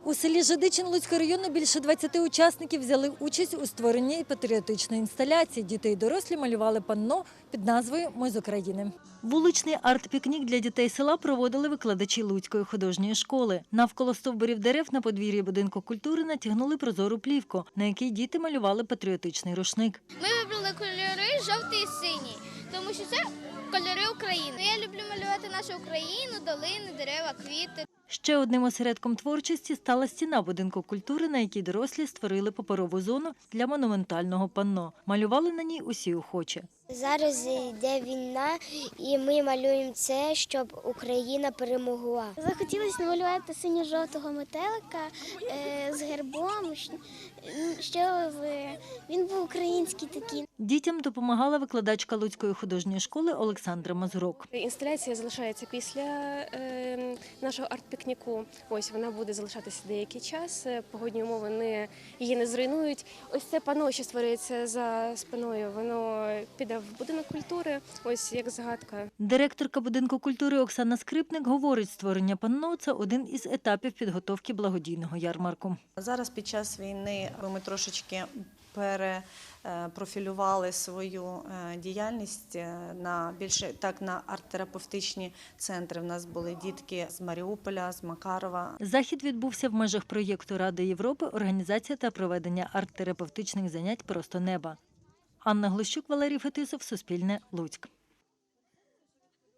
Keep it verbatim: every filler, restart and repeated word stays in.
У селі Жидичин Луцького району більше двадцяти учасників взяли участь у створенні патріотичної інсталяції. Діти і дорослі малювали панно під назвою «Ми з України». Вуличний арт-пікнік для дітей села проводили викладачі Луцької художньої школи. Навколо стовбурів дерев на подвір'ї будинку культури натягнули прозору плівку, на якій діти малювали патріотичний рушник. Ми вибрали кольори жовтий і синій, тому що це кольори України. Я люблю малювати нашу Україну, долини, дерева, квіти. Ще одним осередком творчості стала стіна будинку культури, на якій дорослі створили паперову зону для монументального панно. Малювали на ній усі охочі. Зараз йде війна, і ми малюємо це, щоб Україна перемогла. Захотілося намалювати синьо-жовтого метелика е, з гербом, щоб він був український такий. Дітям допомагала викладачка Луцької художньої школи Олександра Мазурок. Інсталяція залишається після е, нашого арт-пікніку. Ось вона буде залишатися деякий час. Погодні умови не, її не зруйнують. Ось це панно, що створюється за спиною, воно піде в будинок культури, ось як загадка. Директорка будинку культури Оксана Скрипник говорить, створення панно – це один із етапів підготовки благодійного ярмарку. Зараз під час війни ми трошечки перепрофілювали свою діяльність на більше так на арт-терапевтичні центри. У нас були дітки з Маріуполя, з Макарова. Захід відбувся в межах проєкту Ради Європи «Організація та проведення арт-терапевтичних занять «Просто неба». Анна Глущук, Валерій Фетисов, Суспільне, Луцьк.